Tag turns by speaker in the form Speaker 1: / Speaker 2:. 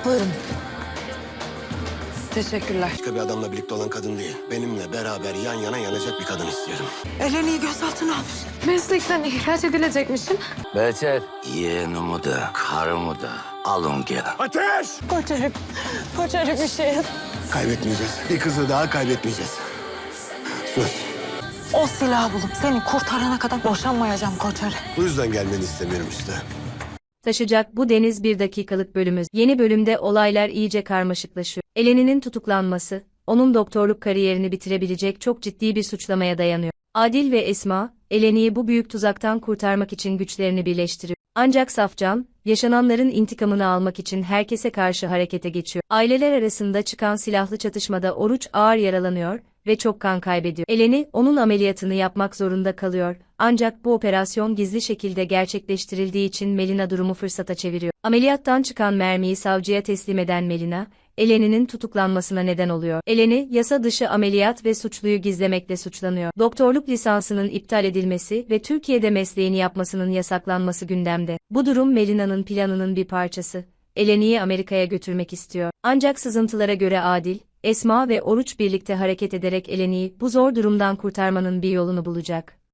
Speaker 1: Buyurun. Teşekkürler.
Speaker 2: Başka bir adamla birlikte olan kadın değil. Benimle beraber yan yana yanacak bir kadın istiyorum.
Speaker 1: Eleni gözaltına almış.
Speaker 3: Meslekten ihraç edilecekmişsin.
Speaker 4: Beter, yeğenimi de, karımı da alın gelin.
Speaker 2: Ateş!
Speaker 1: Koçarık bir şey.
Speaker 2: Kaybetmeyeceğiz. Bir kızı daha kaybetmeyeceğiz. Söz.
Speaker 1: O silahı bulup seni kurtarana kadar boşanmayacağım Koçarı.
Speaker 2: Bu yüzden gelmeni istemiyorum işte.
Speaker 5: Taşacak bu Deniz bir dakikalık bölümümüz. Yeni bölümde olaylar iyice karmaşıklaşıyor. Eleni'nin tutuklanması, onun doktorluk kariyerini bitirebilecek çok ciddi bir suçlamaya dayanıyor. Adil ve Esma, Eleni'yi bu büyük tuzaktan kurtarmak için güçlerini birleştiriyor. Ancak Safcan, yaşananların intikamını almak için herkese karşı harekete geçiyor. Aileler arasında çıkan silahlı çatışmada Oruç ağır yaralanıyor ve çok kan kaybediyor. Eleni, onun ameliyatını yapmak zorunda kalıyor. Ancak bu operasyon gizli şekilde gerçekleştirildiği için Melina durumu fırsata çeviriyor. Ameliyattan çıkan mermiyi savcıya teslim eden Melina, Eleni'nin tutuklanmasına neden oluyor. Eleni, yasa dışı ameliyat ve suçluyu gizlemekle suçlanıyor. Doktorluk lisansının iptal edilmesi ve Türkiye'de mesleğini yapmasının yasaklanması gündemde. Bu durum Melina'nın planının bir parçası. Eleni'yi Amerika'ya götürmek istiyor. Ancak sızıntılara göre Adil, Esma ve Oruç birlikte hareket ederek Eleni'yi bu zor durumdan kurtarmanın bir yolunu bulacak.